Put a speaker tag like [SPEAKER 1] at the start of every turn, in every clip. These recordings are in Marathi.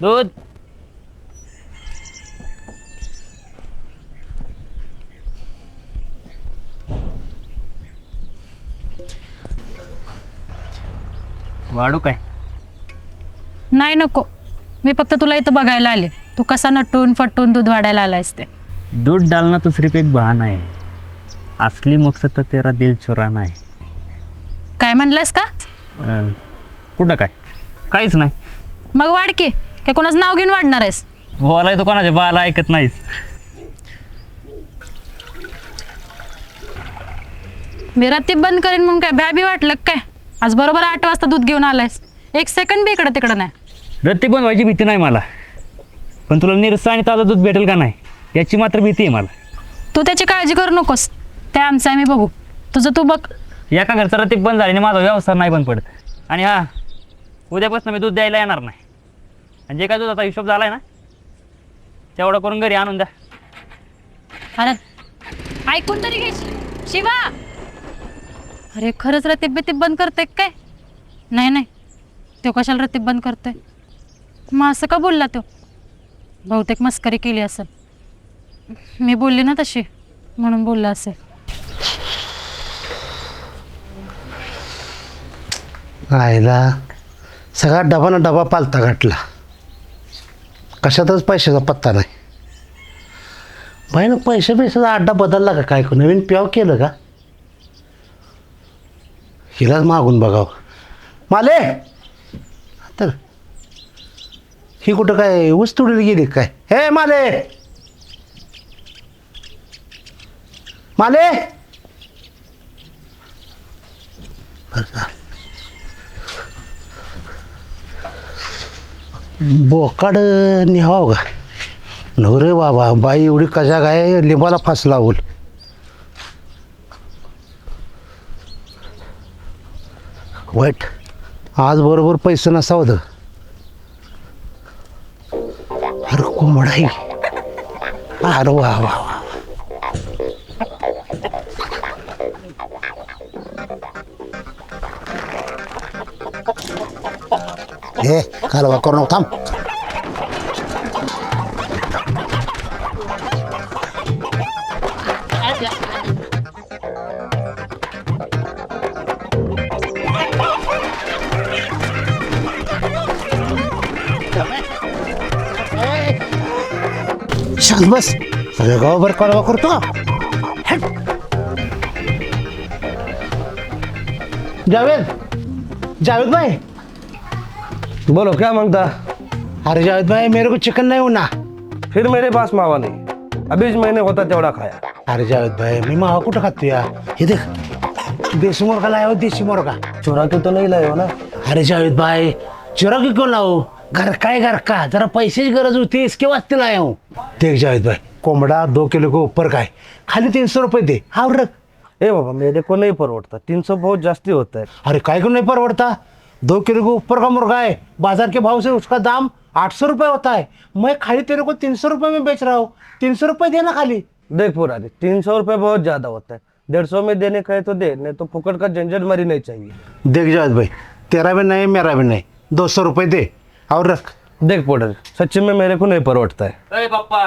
[SPEAKER 1] दूध. वाढू काय?
[SPEAKER 2] नाही नको, मी फक्त तुला इथं बघायला आले. तू कसा नटून फटून दूध वाढायला आलायस ते.
[SPEAKER 1] दूध डालना तो सिर्फ एक बहाना है, असली मकसद तर तेरा दिल चुराना है.
[SPEAKER 2] काय म्हणलास का?
[SPEAKER 1] कुठं काय? काहीच नाही.
[SPEAKER 2] मग वाढ की, काय कोणाचं नाव घेऊन वाढणार आहेस?
[SPEAKER 1] बोलाय तो कोणाच्या बाला ऐकत नाहीस.
[SPEAKER 2] मी रत्ती बंद करेन म्हणून काय भ्या बी वाटलं काय? आज बरोबर 8 वाजता दूध घेऊन आलायस. 1 सेकंड बी इकडं तिकडं नाही.
[SPEAKER 1] रत्ती पण व्हायची भीती नाही मला, पण तुला निरसा आणि ताजं दूध भेटेल का नाही याची मात्र भीती आहे मला.
[SPEAKER 2] तू त्याची काळजी करू नकोस, ते आमचं आम्ही बघू. तुझं तू बघ.
[SPEAKER 1] एका घरचा रत्ती बंद झाल्याने माझा व्यवसाय नाही बंद पडत. आणि हा, उद्यापासून मी दूध द्यायला येणार नाही. आणि जे काय दुधाचा हिशोब झाला आहे ना, तेवढं करून घरी आणून द्या.
[SPEAKER 2] अरे ऐकून तरी घे शिवा. अरे खरंच रतीब बितीब बंद करते काय? नाही नाही, तो कशाला रतीब बंद करतोय? मग असं का बोलला तो? बहुतेक मस्करी केली असेल. मी बोलली ना तशी, म्हणून बोलला असेल.
[SPEAKER 3] आईला सगळा डबा ना डबा पालता घातला, कशातच पैशाचा पत्ता नाही. बाई ना पैशाचा अड्डा बदलला का काय? नवीन प्याव केलं का? हिलाच मागून बघावं. माले तर ही कुठं काय ऊस तुडीला गेली काय? हे माले, माले. बोकाड निहाव का नवरे बाबा. बाई एवढी कशा काय लिंबाला फास लावल. वाईट आज बरोबर पैसे नसावं तर. अरे कोंबडा आहे. अरे वा वा वा. हे कालवा करू नको, थांब. शांत बस. सगळं गावभर कालवा करतो. जावेद, जावेद भाई.
[SPEAKER 4] बोलो क्या मांगता?
[SPEAKER 3] अरे जावेद भाई मेरे को चिकन नहीं होना.
[SPEAKER 4] फिर मेरे पास मावा नहीं, अभीच मैंने होता तेवढा खाया.
[SPEAKER 3] अरे जावेद भाई मी मावा कुठं खातो या? हे देख, देसी मुर्गा लाया हो, देसी मुर्गा.
[SPEAKER 4] चुरा के तो नहीं लाए हो ना?
[SPEAKER 3] अरे जावेद भाई चुरा की क्यों लाओ? घर का है, घर का. जरा पैसे की गरज होती, इसके वास्ते लाया हूँ. देख जावेद भाई, कोंबड़ा 2 किलो के ऊपर का है, खाली 300 रुपये दे. हाँ रख.
[SPEAKER 4] ए बाबा मेरे को नहीं परवड़ता, 300 बहुत जास्ती होता है.
[SPEAKER 3] अरे काय क्यों नहीं परवड़ता? 2 किलो के ऊपर का मुर्गा है, बाजार के भाव से उसका दाम 800 रुपये होता है. मैं खाली तेरे को 300 रुपये में बेच रहा हूँ. 300 रुपये देना खाली.
[SPEAKER 4] देख पुरानी, 300 रुपये बहुत ज्यादा होता है. 150 में देने का है तो दे, नहीं तो फुकट का झंझट मरी नहीं चाहिए.
[SPEAKER 3] देख जावेद भाई, तेरा भी नहीं मेरा भी नहीं, 200 रुपये दे और रख.
[SPEAKER 4] देख पुरानी, सच्ची में मेरे को नहीं परवड़ता है.
[SPEAKER 1] अरे पप्पा,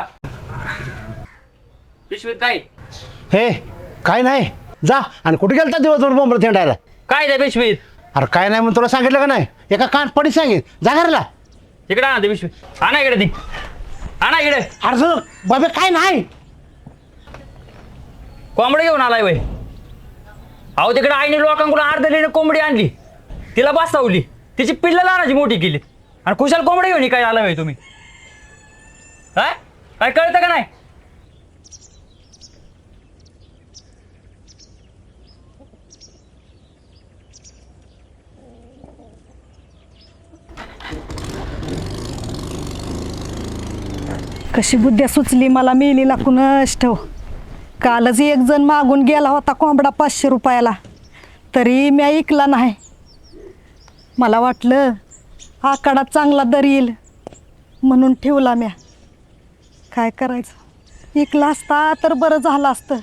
[SPEAKER 1] पिशवीत काय?
[SPEAKER 3] हे काय नाही, जा. आणि कुठे गेलता दिवसभर बोंबलं थेंडायला?
[SPEAKER 1] काय त्या पिशवीत?
[SPEAKER 3] अरे काय नाही म्हणून तुला सांगितलं का नाही? एका कान पडी सांगेल, जा घरला.
[SPEAKER 1] इकडे आणा ते पिशवी. आणा इकडे ती, आणा इकडे.
[SPEAKER 3] अरे बाबे काय नाही.
[SPEAKER 1] कोंबडी घेऊन आलाय वय? अहो तिकडे आईने लोकांकडून अर्धलीने कोंबडी आणली, तिला बसवली, तिची पिल्लं लहानाची मोठी केली, आणि खुशाल कोंबडी घेऊन काय आला वय तुम्ही? काय काय कळतं का नाही?
[SPEAKER 5] कशी बुद्ध्या सुचली मला मेलीला कुणास ठाव. कालच एक जण मागून गेला होता कोंबडा 500 रुपयाला, तरी मी ऐकला नाही. मला वाटलं आकडा चांगला दर येईल म्हणून ठेवला म्या. काय करायचं, ऐकला असता तर बरं झालं असतं.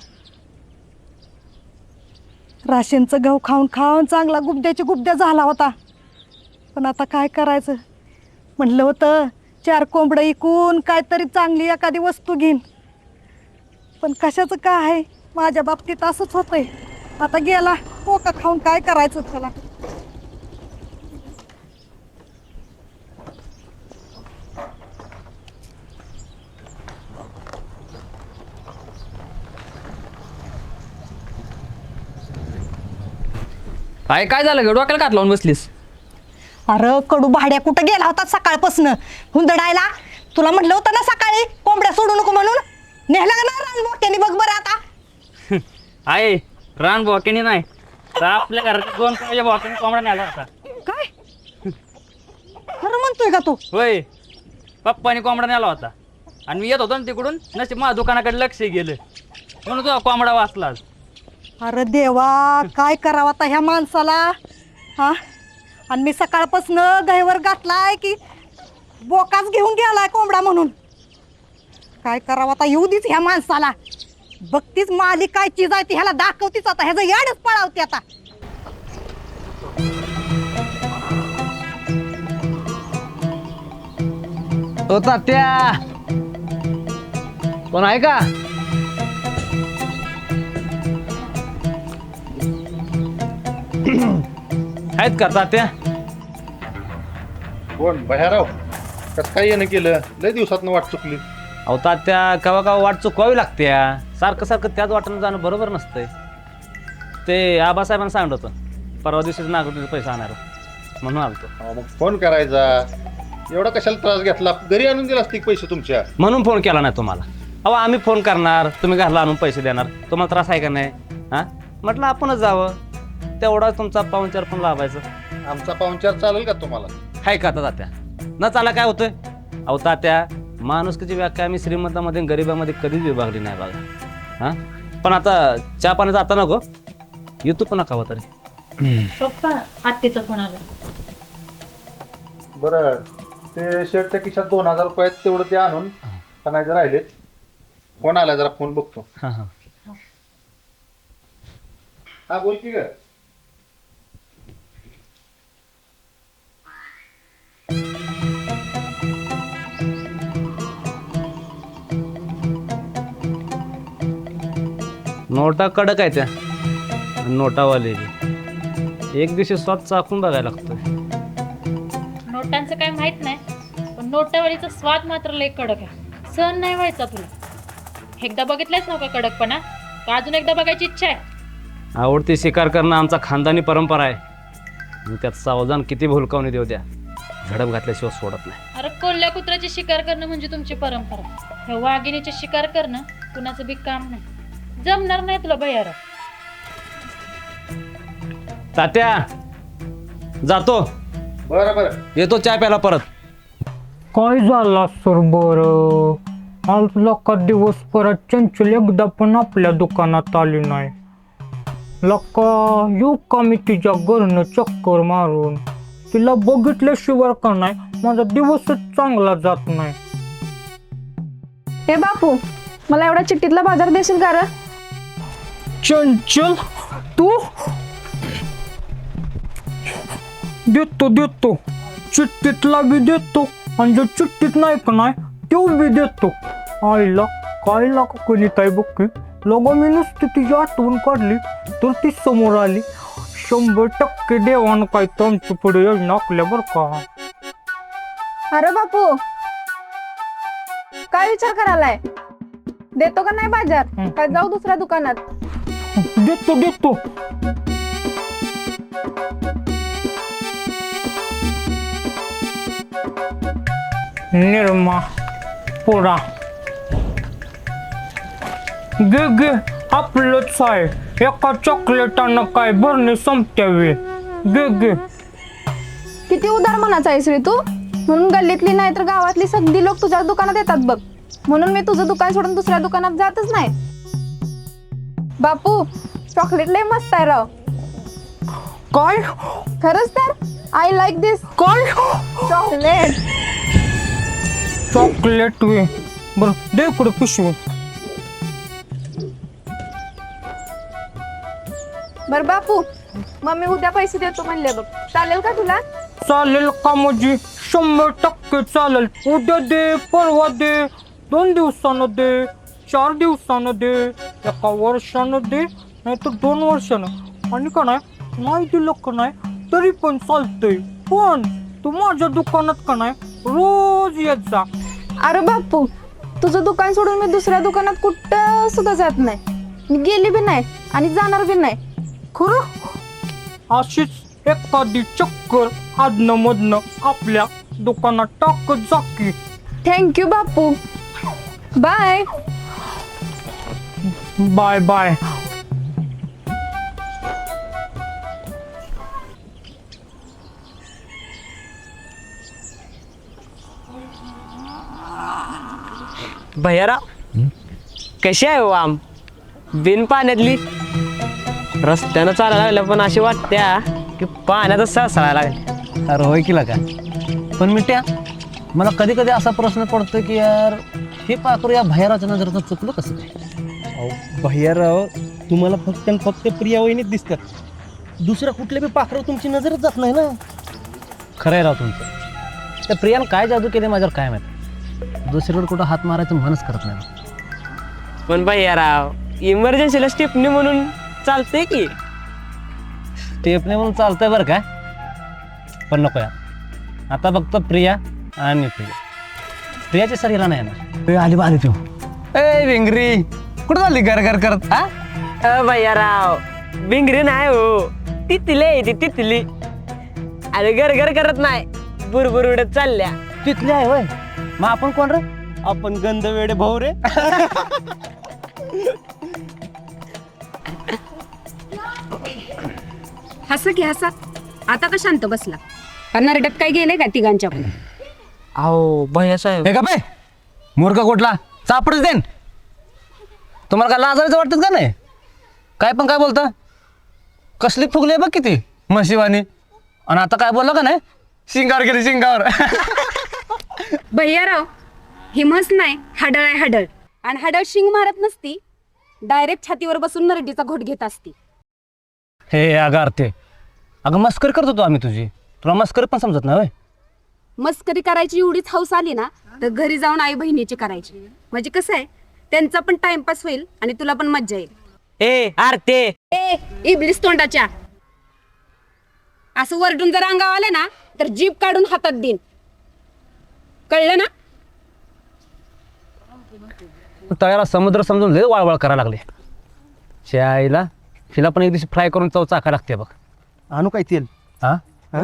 [SPEAKER 5] राशींचं गहू खाऊन खाऊन चांगला गुबद्याची गुबद्या झाला होता. पण आता काय करायचं, म्हणलं होतं 4 कोंबडं इकून काहीतरी चांगली एखादी वस्तू घेईन. पण कशाचं काय आहे, माझ्या बाबतीत असंच होतंय. आता गेला पोका खाऊन काय करायचं त्याला.
[SPEAKER 1] काय झालं ग, डोक्याला कात लावून बसलीस?
[SPEAKER 5] अरे कडू भाड्या कुठं गेला होता सकाळपासनं हुंदडायला? तुला म्हटलं होतं ना सकाळी कोंबड्या सोडू नको म्हणून. नेहला का ना रान मोठ्याने बघ बरं आता.
[SPEAKER 1] आहे रान बॉकेनी नाही तर आपल्या घरात 2 बॉकेनी कोंबडा नेला होता.
[SPEAKER 5] काय खरं म्हणतोय का तू?
[SPEAKER 1] होय, पप्पानी कोंबडा नेला होता आणि मी येत होतो ना तिकडून, नशीब माझ्या दुकानाकडे लक्ष गेलं म्हणून तुझा कोंबडा वाचला.
[SPEAKER 5] अरे देवा, काय करावं आता ह्या माणसाला. हा, आणि मी सकाळपासनं गहीवर घातलाय की बोकाच घेऊन गेलाय कोंबडा म्हणून. काय करावं आता, येऊ दीच ह्या माणसाला. बघतीच माली काय चीज आहे ती ह्याला दाखवतीच आता, ह्याचं याडच पळावते आता.
[SPEAKER 3] ओ तात्या, कोण आहे का?
[SPEAKER 1] आहेत का तात्या?
[SPEAKER 6] कोण बह्याराव? कसं काय येणं केलं? लय दिवसातनं वाट चुकली.
[SPEAKER 1] अहो तात्या, कवा कवा वाट चुकवावी लागते. सारखं सारखं त्याच वाटेनं जाणं बरोबर नसतंय. ते आबासाहेबांना सांगत होतं परवा दिवशीच नागरिक पैसे आणणार म्हणून आलतो.
[SPEAKER 6] अहो, मग फोन करायचा. एवढा कशाला त्रास घेतला? घरी आणून दिला असतील पैसे तुमच्या.
[SPEAKER 1] म्हणून फोन केला नाही तुम्हाला. अहो आम्ही फोन करणार, तुम्ही घरला आणून पैसे देणार, तुम्हाला त्रास आहे का नाही? हां, म्हटलं आपणच जावं, तेवढा तुमचा पाहुणचार पण लाभायचं.
[SPEAKER 6] आमचा पाहुणचार चालेल का तुम्हाला?
[SPEAKER 1] हाय का आता तात्या? न चाला काय होतंय? अहो तात्या, माणुसकीची व्याख्या आम्ही श्रीमंतामध्ये गरिबामध्ये कधीच विभागली नाही बघा. हां, पण आता चहा पाणी जाता नको, येतो पुन्हा कावा तरी.
[SPEAKER 2] पप्पा, आत्तीचा फोन आला.
[SPEAKER 6] बरं, ते शर्टच्या खिशात 2000 रुपये आहेत, तेवढं ते आणून आणायचे राहिलेत. फोन आला, जरा फोन बघतो.
[SPEAKER 1] हां हां.
[SPEAKER 6] हा, बोल की ग.
[SPEAKER 1] नोटा कडक आहे त्या, नोटावाले एक दिवशी स्वाद चाकून बघायला लागतोय.
[SPEAKER 2] नोटांचं काय माहित नाही, पण नोटावरीचा स्वाद मात्र लय कडक आहे. सहन नाही व्हायचा तुला. एकदा बघितलंच नव्हता कडकपणा, का अजून एकदा बघायची इच्छा आहे?
[SPEAKER 1] आवडती शिकार करणं आमचा खानदानी परंपरा आहे. मी त्यात सावधान किती भुलकावणी देऊ द्या, झडप घातल्याशिवाय सोडत नाही.
[SPEAKER 2] अरे कोल्ह्या कुत्र्याची शिकार करणं म्हणजे तुमची परंपरा. हे वाघिणीची शिकार करणं कुणाचं बी काम नाही. जमणार नाही तुला भैयाराव.
[SPEAKER 1] तात्या, जातो,
[SPEAKER 6] बरं बरं.
[SPEAKER 1] येतो चहा प्यायला परत.
[SPEAKER 7] काय झाला सर बरं? आज लका दिवस परत चंचल एकदा पण आपल्या दुकानात आली नाही. लका येऊ का मी तिच्या घरनं चक्कर मारून? तिला बघितल्याशिवाय का नाही माझा दिवसच चांगला जात नाही.
[SPEAKER 8] हे बापू, मला एवढा चिठ्ठीतला बाजार देशील का रे?
[SPEAKER 7] चंचल, तू? देतो देतो, चिठ्ठीतला बी देतो आणि जो चिठ्ठीत नाही का नाही तो बी देतो. आईला काय लागा कोणी काय बघ लोगो मी नुसती तिची आठवण काढली तर ती समोर आली. 100% देवानं काय तर आमच्या पुढे योजना आखल्या बरं का.
[SPEAKER 8] अरे बापू, काय विचार करायलाय? देतो का नाही बाजार? काय जाऊ दुसऱ्या दुकानात?
[SPEAKER 7] देतो देतो. निर्मा पोरा गे गे, आपलंच आहे. एका चॉकलेटानं काय भरणे संपत्यावे. गे गे.
[SPEAKER 8] किती उदार मनाचा आहेस रे तू. म्हणून गल्लीतली नाही तर गावातली सगळी लोक तुझ्या दुकानात येतात बघ. म्हणून मी तुझं दुकान सोडून दुसऱ्या दुकानात जातच नाही. बापू, चॉकलेट लय मस्त आहे राव.
[SPEAKER 7] काय
[SPEAKER 8] खरंच तर आय लाईक दिस
[SPEAKER 7] काय
[SPEAKER 8] चॉकलेट.
[SPEAKER 7] चॉकलेट वे. बरं दे इकडे पिशवी.
[SPEAKER 8] बर बापू, मम्मी उद्या पैसे देतो म्हणले बघ, चालेल का तुला?
[SPEAKER 7] चालेल का म्हणजे 100% चालेल. उद्या दे, परवा दे, 2 दिवसानं दे, 4 दिवसानं दे, 1 वर्षानं दे, नाही तर 2 वर्षानं. आणि का नाही दिलं का नाही तरी पण चालतंय. पण तू माझ्या दुकानात का नाही रोज येत जा.
[SPEAKER 8] अरे बापू, तुझं दुकान सोडून मी दुसऱ्या दुकानात कुठं सुद्धा जात नाही. मी गेली बी नाही आणि जाणार बी नाही.
[SPEAKER 7] खरं अशीच एखादी चक्कर आदनं मधनं आपल्या दुकानात टाकत जा की.
[SPEAKER 8] Thank you Bapu. Bye.
[SPEAKER 7] Bye bye.
[SPEAKER 9] भैयारा कशी आहे हो आम बिन पाण्यातली रस्त्यानं चालायला लागल्या पण अशी वाटत्या की पाण्यातच सळसळायला लागले.
[SPEAKER 3] अरे होय की का पण मिट्या मला कधी कधी असा प्रश्न पडतो की यार हे पाखरू या भैराच्या नजरेचं चुकलं कसं काय?
[SPEAKER 4] भैयाराव तुम्हाला फक्त आणि फक्त प्रिया वहिनीच दिसतात. दुसऱ्या कुठल्या बी पाखरावर तुमची नजरच जात नाही ना.
[SPEAKER 3] खरं आहे राव तुमचं. त्या प्रियानं काय जादू केले माझ्यावर काय माहिती. दुसरीकडे कुठं हात मारायचं मनच करत नाही.
[SPEAKER 9] पण भैयाराव इमर्जन्सीला स्टिपनी म्हणून चालते की.
[SPEAKER 3] स्टेपने म्हणून चालतंय बरं काय पण नको यार. आता फक्त प्रिया आणि प्रिया. प्रियाची सर हिला नाही येणार. आली बा आली तू. ए विंगरी कुठं झाली घर घर करत हा?
[SPEAKER 9] भैयाराव बिंगरी नाही हो, तिथली आहे ती तिथली. अरे घर घर करत नाही, बुरबुर उडत चालल्या.
[SPEAKER 3] तिथली आहे होय. मग आपण कोण रे?
[SPEAKER 4] आपण गंध वेडे भाऊ रे.
[SPEAKER 10] हसा की हसा. आता का शांत बसला? नरड्यात काय गेले का तिघांच्या पण?
[SPEAKER 9] अहो भैया साहेब
[SPEAKER 3] हे का बे मूर्ख कुठला चापडच देन. तुम्हाला काय लाजायचं वाटतं का नाही? काय पण काय बोलता? कसली फुगली बघ किती म्हशीवानी. आणि आता काय बोललं का नाही शिंगावर गेली शिंगावर.
[SPEAKER 10] भैयाराव ही म्हस नाही, हाडळ आहे हाडळ. आणि हाडळ शिंग मारत नसती, डायरेक्ट छातीवर बसून नरडीचा घोट घेत असती.
[SPEAKER 3] हे अगं अर्थे अगं मस्करी करत होतो आम्ही तुझी. तुला मस्करी पण समजत नाही होय.
[SPEAKER 10] मस्करी करायची एवढीच हौस आली ना तर घरी जाऊन आई बहिणीची करायची. म्हणजे कसं आहे, त्यांचा पण टाइमपास होईल आणि तुला पण मज्जा येईल.
[SPEAKER 9] ए आरते
[SPEAKER 10] ए इबलीस तोंडाच्या, असं वरडून जर अंगावर आले ना तर जीभ काढून हातात देईन, कळलं ना?
[SPEAKER 3] तळ्याला समुद्र समजून लय वाळवळ करायला लागले. आईला तिला पण एक दिवशी फ्राय करून चव चाका लागते बघ.
[SPEAKER 4] आणू काय तेल?
[SPEAKER 3] हा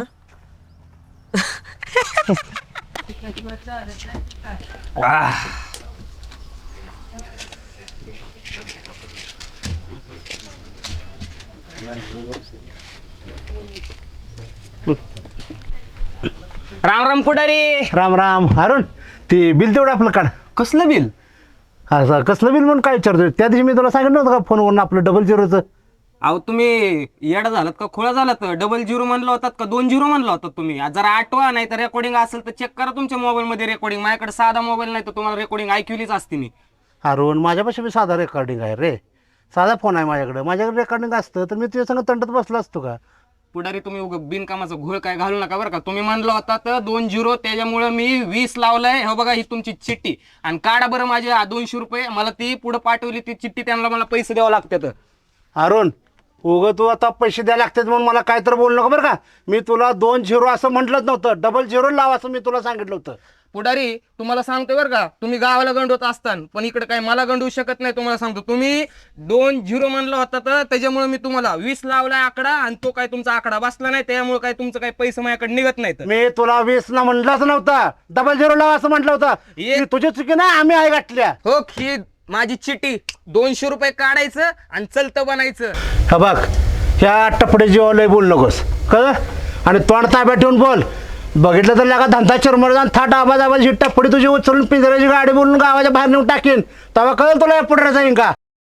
[SPEAKER 9] राम राम पुढारी.
[SPEAKER 3] राम राम. अरुण ते बिल तेवढं आपलं काढ.
[SPEAKER 4] कसलं बिल?
[SPEAKER 3] हा कसलं बिल म्हणून काय विचारतोय? त्या दिवशी मी तुला सांगितलं नव्हतं का फोनवरून आपलं 00चं?
[SPEAKER 9] अहो तुम्ही येडा झालात का खोळा झालात? 00 म्हणलं होतात का 20 म्हणलं होतात तुम्ही? जरा आठवा, नाही तर रेकॉर्डिंग असेल तर चेक करा तुमच्या मोबाईल मध्ये रेकॉर्डिंग. माझ्याकडे साधा मोबाईल नाही तर तुम्हाला रेकॉर्डिंग ऐकलीच असते मी.
[SPEAKER 3] अरुण माझ्यापाशी मी साधा रेकॉर्डिंग आहे रे. साधा फोन आहे माझ्याकडे रेकॉर्डिंग असतं तर मी तुझ्या संग तंटत बसला असतो का?
[SPEAKER 9] पुढारी तुम्ही बिनकामाचा घोळ काय घालू नका बरं का. तुम्ही म्हणलं होता तर 20, त्याच्यामुळे मी 20 लावलंय. हो बघा ही तुमची चिठ्ठी. आणि काढा बरं माझे 200 रुपये. मला ती पुढे पाठवली ती चिठ्ठी, त्यांना मला पैसे द्यावं लागतात.
[SPEAKER 3] अरुण तू आता पैसे द्यायला लागतात म्हणून मला काय तर बोलू नका बरं का. मी तुला 20 असं म्हटलंच नव्हतं. 00 लाव असं मी तुला सांगितलं होतं.
[SPEAKER 9] पुढारी तुम्हाला सांगतोय बरं का, तुम्ही गावाला गंडवत असताना पण इकडे काय मला गंडवू शकत नाही. तुम्हाला सांगतो, तुम्ही 20 म्हणलं होता तर त्याच्यामुळे मी तुम्हाला 20 लावलाय आकडा, आणि तो काय तुमचा आकडा बसला नाही, त्यामुळे काय तुमचं काही पैसे माझ्याकडे निघत नाहीत.
[SPEAKER 3] मी तुला 20 ला म्हणलंच नव्हता. 00 लाव असं म्हटलं होतं.
[SPEAKER 9] ये.
[SPEAKER 3] तुझी चुकी ना आम्ही आई गाठल्या.
[SPEAKER 9] हो ही माझी चिठ्ठी. 200 रुपये काढायचं आणि चलतं बनायचं.
[SPEAKER 3] हा बघ ह्या टपडे जीवालय बोल नकोस कळ. आणि तोंड ताब्यात ठेवून बोल. बघितलं तर लागा धंदा चिरमर जाऊन थाट आवाज ही टपडी तुझी उचलून पिंजऱ्याची गाडी बोलून गावाच्या बाहेर नेऊन टाकीन. तेव्हा कळेल तुला पुढे जाईन का.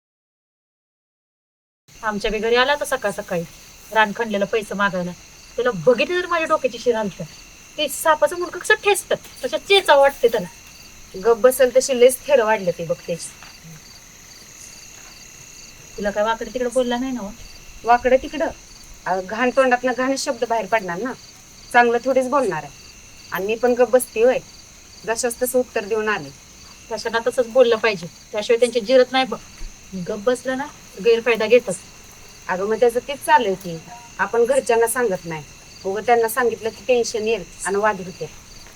[SPEAKER 2] आमच्या बी घरी आला तर सकाळ सकाळी रान खणलेलं पैसे मागायला. त्याला बघितलं तर माझ्या डोक्याची शिर आलतं. ते सापाचं मुंडकं कसं ठेचतं तशा चेचा वाटते त्याला.
[SPEAKER 10] गप बसेल तशी लेस थेर वाढले ते बघतेस.
[SPEAKER 2] तुला काय वाकडे तिकडे बोलला नाही ना हो?
[SPEAKER 10] वाकडं तिकडं घाण तोंडात घाण शब्द बाहेर पडणार ना. चांगलं थोडीच बोलणार आहे. आणि मी पण गप बसती होय. जशाच तसं उत्तर देऊन आले.
[SPEAKER 2] तशाला तसंच बोललं पाहिजे, त्याशिवाय त्यांची जिरत नाही बघ. गप बसलं ना गैरफायदा घेतात.
[SPEAKER 10] अगं मग त्याचं तेच चाललंय की आपण घरच्यांना सांगत नाही, उगं त्यांना सांगितलं की टेन्शन येईल आणि वाद होते.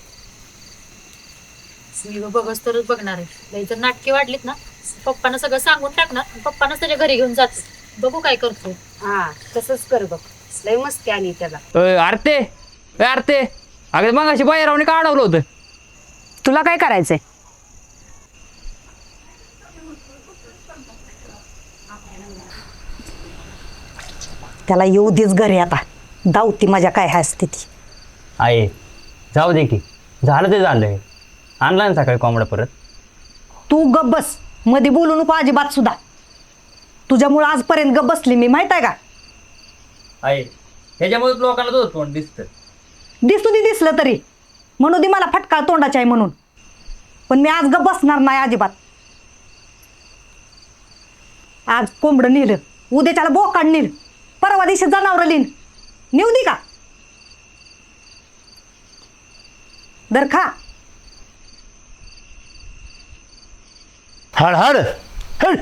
[SPEAKER 2] मी बघच तरच बघणार आहे. लई जर नाटके वाढलीत ना पप्पानं सगळं सांगून टाकणार, पप्पानंच त्याच्या घरी घेऊन जातो. बघू काय करतो.
[SPEAKER 10] हा तसंच कर बघ. लय मस्ती आली त्याला.
[SPEAKER 1] आरते अगं मग अशी बाहेर का अडवलं होतं?
[SPEAKER 10] तुला काय करायचंय?
[SPEAKER 5] त्याला येऊ देच घरी आता. दावती माझ्या काय असते ती.
[SPEAKER 1] आहे जाऊ दे की, झालं ते झालंय. आणला ना सकाळी कोंबडा परत.
[SPEAKER 5] तू गप बस, मध्ये बोलू नको अजिबात सुद्धा. तुझ्यामुळे आजपर्यंत गप बसली मी, माहित आहे का?
[SPEAKER 1] आहे ह्याच्यामुळे लोकांना तो तोंड दिसतं.
[SPEAKER 5] दिसू दे, दिसलं तरी म्हणू दे मला फटका तोंडाचा आहे म्हणून, पण मी आज गप बसणार नाही अजिबात. आज कोंबडं नेलं, उद्याच्याला बोकाड नेल, परवा दिवशी जनावरं लिन नेऊ दे का? दर खा.
[SPEAKER 4] हड हड हड.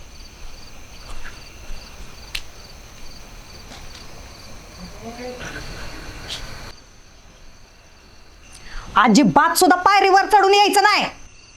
[SPEAKER 5] अजिबात सुद्धा पायरीवर चढून यायचं नाही.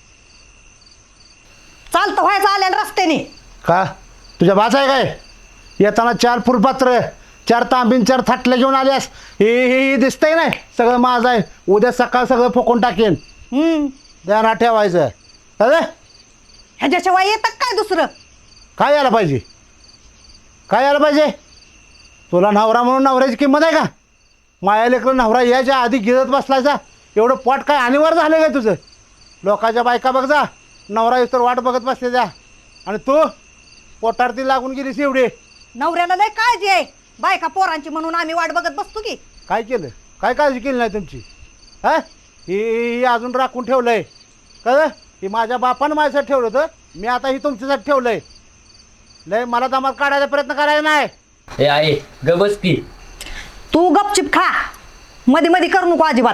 [SPEAKER 5] चालतं व्हायचं आल्या रस्त्याने.
[SPEAKER 4] का तुझ्या बाच आहे काय? येताना 4 फुलपात्र, 4 तांबीन, 4 थाटल्या घेऊन आल्यास. हे दिसतंय नाही सगळं माझं आहे. उद्या सकाळ सगळं फोकून टाकेन. ध्यानात ठेवायचं. अरे
[SPEAKER 5] ह्याच्याशिवाय येतात काय दुसरं?
[SPEAKER 4] काय यायला पाहिजे? काय यायला पाहिजे? तुला नवरा म्हणून नवऱ्याची किंमत आहे का? माया लेकरं नवरा यायच्या आधी गिरत बसलायचा. एवढं पोट काय अनिवार्य झालं काय तुझं? लोकांच्या बायका बघ जा, नवरा तर वाट बघत बसले जा, आणि तू पोटारती लागून गेलीस एवढी.
[SPEAKER 5] नवऱ्याला लय काळजी आहे बायका पोरांची म्हणून आम्ही वाट बघत बसतो की.
[SPEAKER 4] काय केलं? काय काळजी केली नाही तुमची? हा ही अजून राखून ठेवलं आहे का? ही माझ्या बापानं माझ्यासाठी ठेवलं होतं, मी आता ही तुमच्यासाठी ठेवलं आहे. लय मला दमात काढायचा प्रयत्न करायचा नाही.
[SPEAKER 1] हे आहे गबस की.
[SPEAKER 5] तू गपचिप खा, मध्ये मध्ये करू नको अजिबात.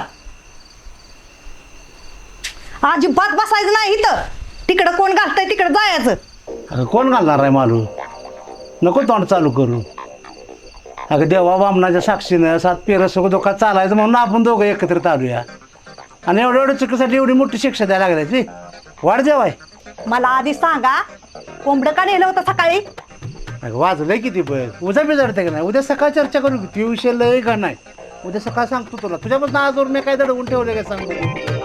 [SPEAKER 5] अजिबात बसायचं नाही इथं. तिकडं कोण घालतंय तिकडं जायचं.
[SPEAKER 4] अगं कोण घालणार आहे मालू? नको तोंड चालू करू. अगं देवा बामणाच्या साक्षीनं 7 पेरं सगळं धोका चालायचं म्हणून आपण दोघं एकत्रित आलूया, आणि एवढ्या चुकीसाठी एवढी मोठी शिक्षा द्यायला लागल्याची वाढ जेवाय.
[SPEAKER 5] मला आधी सांगा, कोंबडं का नेलं होतं सकाळी?
[SPEAKER 4] अगं वाजलंय किती बघ. उद्या बिजाडते का नाही? उद्या सकाळ चर्चा करू की. ती विषय लय का नाही. उद्या सकाळ सांगतो तुला. तुझ्यापासून आजवर मी काय दडवून ठेवले काय सांगतो.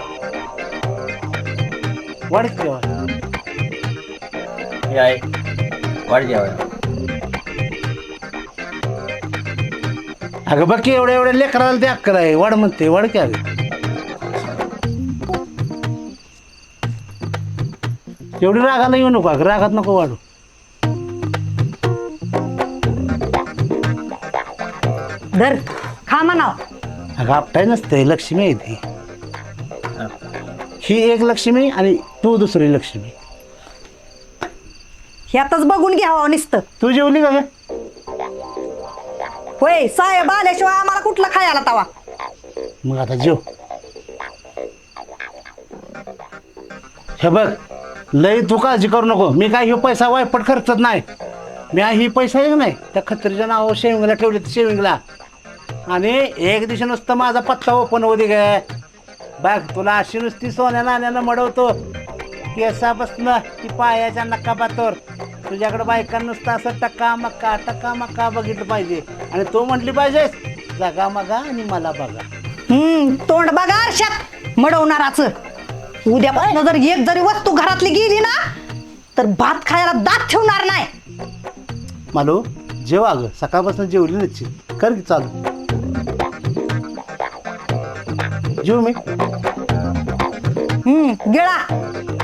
[SPEAKER 4] वाढच जेवाय.
[SPEAKER 1] हे आहे वाढ जेवायला.
[SPEAKER 4] अगं बघ की एवढ्या लेकराला ते अक्कल आहे. वाढ म्हणते, वाढ की. अगं एवढी रागाला येऊ नको. अगं रागात नको वाढू.
[SPEAKER 5] धर खा म्हणाव.
[SPEAKER 4] अगं आपटाय नसते, लक्ष्मी आहे ती. ही एक लक्ष्मी आणि तू दुसरी लक्ष्मी.
[SPEAKER 5] ह्यातच बघून घ्यावं नुसतं.
[SPEAKER 4] तू जेवली का ग?
[SPEAKER 5] होय, साहेब आल्याशिवाय आम्हाला कुठला खायला तवा.
[SPEAKER 4] मग आता जेव. हे बघ, लय तू काळजी करू नको. मी काय हे पैसा वायपट खर्चत नाही. मी ही पैसा आहे नाही त्या खत्रीच्या नावावर शेविंगला ठेवले, शेविंगला. आणि एक दिवशी नुसतं माझा पत्ता ओपन होऊ दे गे. बघ तुला अशी नुसती सोन्या नाण्यानं मडवतो, केसापासनं ती पायाच्या नकापातोर. तुझ्याकडे बायका नुसतं असं टक्का मक्का बघितलं पाहिजे. आणि तू म्हटली पाहिजेस जगा मगा आणि मला बघा.
[SPEAKER 5] तोंड बघा आरशात मडवणाराच. उद्यापासून जर एक जरी वस्तू घरातली गेली ना तर भात खायला दात ठेवणार नाही.
[SPEAKER 4] मालू जेवा ग. सकाळपासून जेवली नसची. कर की चालू. जेव मी.
[SPEAKER 5] गिळा.